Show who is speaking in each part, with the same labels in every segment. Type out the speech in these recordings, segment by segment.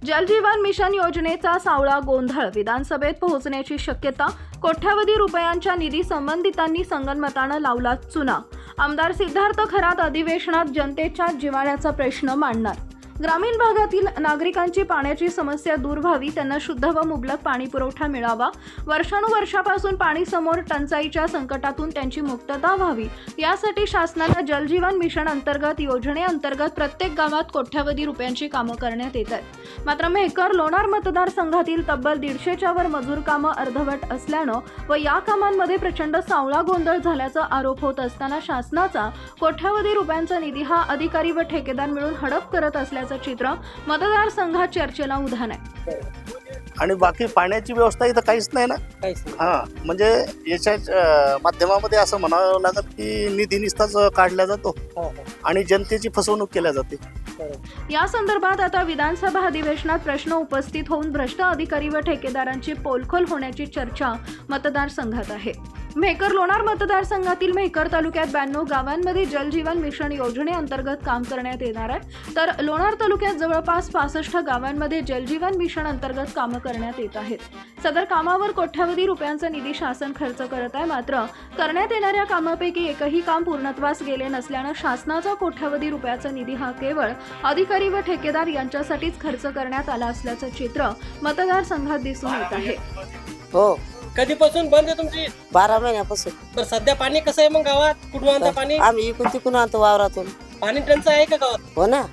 Speaker 1: जल जीवन मिशन योजनेचा सावळा गोंधळ विधानसभेत पोहोचण्याची शक्यता. कोट्यावधी रुपयांच्या निधी संबंधितांनी संगनमतानं लावला चुना. आमदार सिद्धार्थ खरात अधिवेशनात जनतेच्या जिव्हाळ्याचा प्रश्न मांडणार. ग्रामीण भागातील नागरिकांची पाण्याची समस्या दूर व्हावी, त्यांना शुद्ध व मुबलक पाणी पुरवठा मिळावा, वर्षानुवर्षापासून पाणी समोर टंचाईच्या संकटातून त्यांची मुक्तता व्हावी, यासाठी शासनानं जल जीवन मिशन अंतर्गत योजनेअंतर्गत प्रत्येक गावात कोट्यावधी रुपयांची कामं करण्यात येत आहेत. मात्र मेहकर लोणार मतदारसंघातील तब्बल 150च्या वर मजूर कामं अर्धवट असल्यानं व या कामांमध्ये प्रचंड सावळा गोंधळ झाल्याचा आरोप होत असताना शासनाचा कोट्यावधी रुपयांचा निधी हा अधिकारी व ठेकेदार मिळून हडप करत असल्याचं चित्र मतदारसंघात चर्चेला उधाण आहे.
Speaker 2: आणि बाकी पाण्याची व्यवस्था इथं काहीच नाही ना. म्हणजे याच्या माध्यमामध्ये असं म्हणावं लागत की निधी निस्ताच काढला जातो आणि जनतेची फसवणूक केल्या जाते.
Speaker 1: या संदर्भात आता विधानसभा अधिवेशनात प्रश्न उपस्थित होऊन भ्रष्ट अधिकारी व ठेकेदारांची पोलखोल होण्याची चर्चा मतदारसंघात आहे. मेहकर लोणार मतदारसंघातील मेहकर तालुक्यात 92 गावांमध्ये जल जीवन मिशन योजनेअंतर्गत काम करण्यात येणार आहे, तर लोणार तालुक्यात जवळपास 65 गावांमध्ये जल जीवन मिशन अंतर्गत कामं करण्यात येत आहेत. सदर कामावर कोट्यावधी रुपयांचा निधी शासन खर्च करत आहे. मात्र करण्यात येणाऱ्या कामापैकी एकही काम पूर्णत्वास गेले नसल्यानं शासनाचा कोट्यावधी रुपयाचा निधी हा केवळ अधिकारी व ठेकेदार यांच्यासाठीच खर्च करण्यात आला असल्याचं चित्र मतदारसंघात दिसून येत आहे.
Speaker 3: हो,
Speaker 4: कधीपासून बंद आहे तुमची?
Speaker 3: 12 महिन्यापासून.
Speaker 4: तर सध्या पाणी कसं आहे मग गावात? कुठून आणता पाणी?
Speaker 3: आम्ही इकडून तिकडून आणतो वावरातून.
Speaker 4: पाणी टंचाई आहे का गावात?
Speaker 3: हो ना,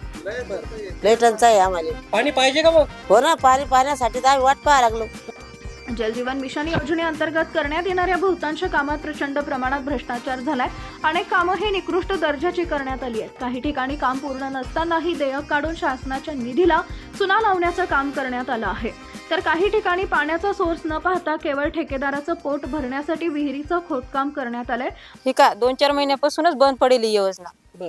Speaker 3: लय टंचाई आहे आम्हाला.
Speaker 4: पाणी पाहिजे का मग?
Speaker 3: हो ना, पाणी पाण्यासाठी तर आम्ही वाट पाहायला लागलो.
Speaker 1: जल जीवन मिशन योजनेअंतर्गत करण्यात येणाऱ्या बहुतांश कामात प्रचंड प्रमाणात भ्रष्टाचार झालाय. अनेक कामं हे निकृष्ट दर्जाची करण्यात आली आहेत. काही ठिकाणी काम पूर्ण नसतानाही देयक काढून शासनाच्या निधीला चुना लावण्याचं काम करण्यात आलं आहे. तर काही ठिकाणी पाण्याचा सोर्स न पाहता केवळ ठेकेदाराचं पोट भरण्यासाठी विहिरीचं खोदकाम करण्यात आलंय.
Speaker 5: हे का 2-4 महिन्यापासूनच बंद पडेल ही योजना.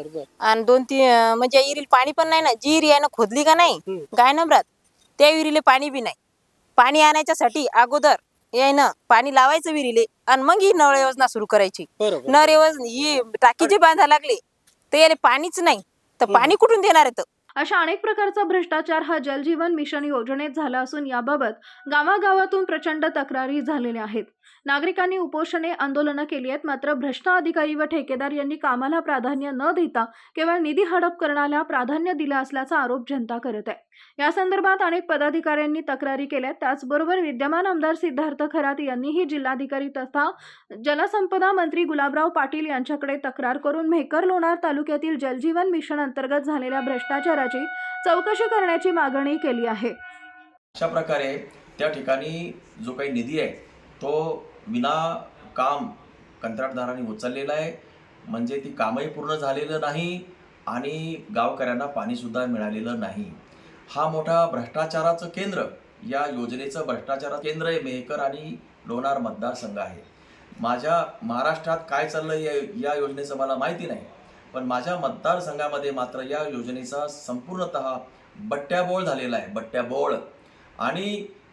Speaker 5: आणि 2-3 म्हणजे विहिरीला पाणी पण नाही ना. जी विहीर आहे ना खोदली का नाही गाय नंबरात, त्या विहिरीला पाणी बी नाही. पाणी आणायच्यासाठी अगोदर यायनं पाणी लावायचं विहिरीले आणि मग ही नळ योजना सुरू करायची. नळ योजना ही टाकी जी बांधा लागली तर याला पाणीच नाही, तर पाणी कुठून देणार आहे?
Speaker 1: अशा अनेक प्रकारचा भ्रष्टाचार हा जल जीवन मिशन योजनेत झाला असून याबाबत गावागावातून प्रचंड तक्रारी झालेल्या आहेत. नागरिकांनी उपोषणे आंदोलनं केली आहेत. मात्र भ्रष्ट अधिकारी व ठेकेदार यांनी कामाला प्राधान्य न देता केवळ निधी हडप करण्याला प्राधान्य दिलं असल्याचा आरोप जनता करत आहे. या संदर्भात अनेक पदाधिकाऱ्यांनी तक्रारी केल्या. त्याचबरोबर विद्यमान आमदार सिद्धार्थ खरात यांनीही जिल्हाधिकारी तथा जलसंपदा मंत्री गुलाबराव पाटील यांच्याकडे तक्रार करून मेहकर लोणार तालुक्यातील जल जीवन मिशन अंतर्गत झालेल्या भ्रष्टाचाराची चौकशी करण्याची मागणी केली आहे.
Speaker 6: अशा प्रकारे त्या ठिकाणी जो काही निधी आहे तो विना काम कंत्राटदारांनी उचललेला आहे. म्हणजे ती कामही पूर्ण झालेलं नाही आणि गावकऱ्यांना पाणीसुद्धा मिळालेलं नाही. हा मोठा भ्रष्टाचाराचं केंद्र, या योजनेचं भ्रष्टाचाराचं केंद्र हे मेहकर आणि लोणार मतदारसंघ आहे. माझ्या महाराष्ट्रात काय चाललं या योजनेचं मला माहिती नाही, पण माझ्या मतदारसंघामध्ये मात्र या योजनेचा संपूर्णतः बट्ट्याबोळ झालेला आहे. बट्ट्याबोळ. आणि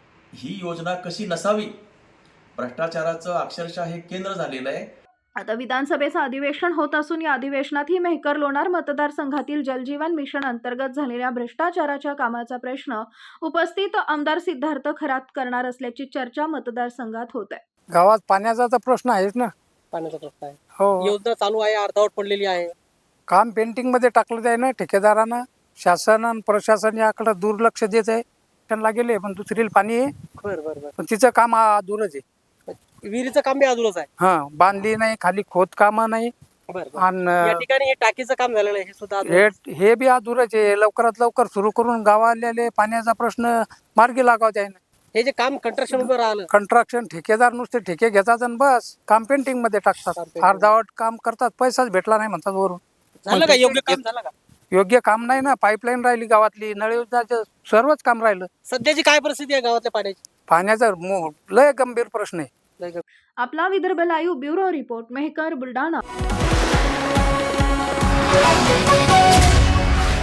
Speaker 6: ही योजना कशी नसावी, भ्रष्टाचाराचं अक्षरशः हे केंद्र झालेलं आहे.
Speaker 1: आता विधानसभेचं अधिवेशन होत असून या अधिवेशनात ही मेहकर लोणार मतदारसंघातील जल जीवन मिशन अंतर्गत झालेल्या भ्रष्टाचाराच्या कामाचा प्रश्न उपस्थित आमदार सिद्धार्थ खरात करणार असल्याची चर्चा मतदारसंघात होत आहे.
Speaker 7: गावात पाण्याचा तर प्रश्न आहेच ना.
Speaker 4: पाण्याचा प्रश्न आहे.
Speaker 7: हो,
Speaker 4: योजना चालू आहे, अर्धवट पडलेली आहे.
Speaker 7: काम पेंटिंग मध्ये टाकलं आहे ना ठेकेदारानं. शासन आणि प्रशासन याकडे दुर्लक्ष देत आहे. त्यांना गेले पण दुसरीला पाणी आहे, पण तिचं काम अधुरच आहे.
Speaker 4: विहिरीचं काम बी अधुरच आहे.
Speaker 7: हा, बांधली नाही, खाली खोद काम नाही.
Speaker 4: या
Speaker 7: आणि
Speaker 4: ठिकाणी हे टाकीचं काम झालेलं आहे, हे सुद्धा अधुरच.
Speaker 7: हे बी अधुरच आहे. लवकरात लवकर सुरू करून गावाले पाण्याचा प्रश्न मार्गी लागावता आहे.
Speaker 4: हे जे काम कंस्ट्रक्शन उभं राहिलं,
Speaker 7: कंट्रक्शन ठेकेदार नुसते ठेके घेतात आणि बस काम पेंटिंग मध्ये टाकतात. अर्धावट काम करतात, पैसाच भेटला नाही म्हणतात वरून.
Speaker 4: झालं का योग्य काम? झालं का?
Speaker 7: योग्य काम नाही ना. पाईपलाईन राहिली गावातली, नळ योजनाचं सर्वच काम राहिलं.
Speaker 4: सध्याची काय परिस्थिती आहे गावातल्या पाण्याची?
Speaker 7: पाण्याचा लय गंभीर प्रश्न आहे.
Speaker 1: आपला Vidarbha live bureau report, Mehkar, Buldhana.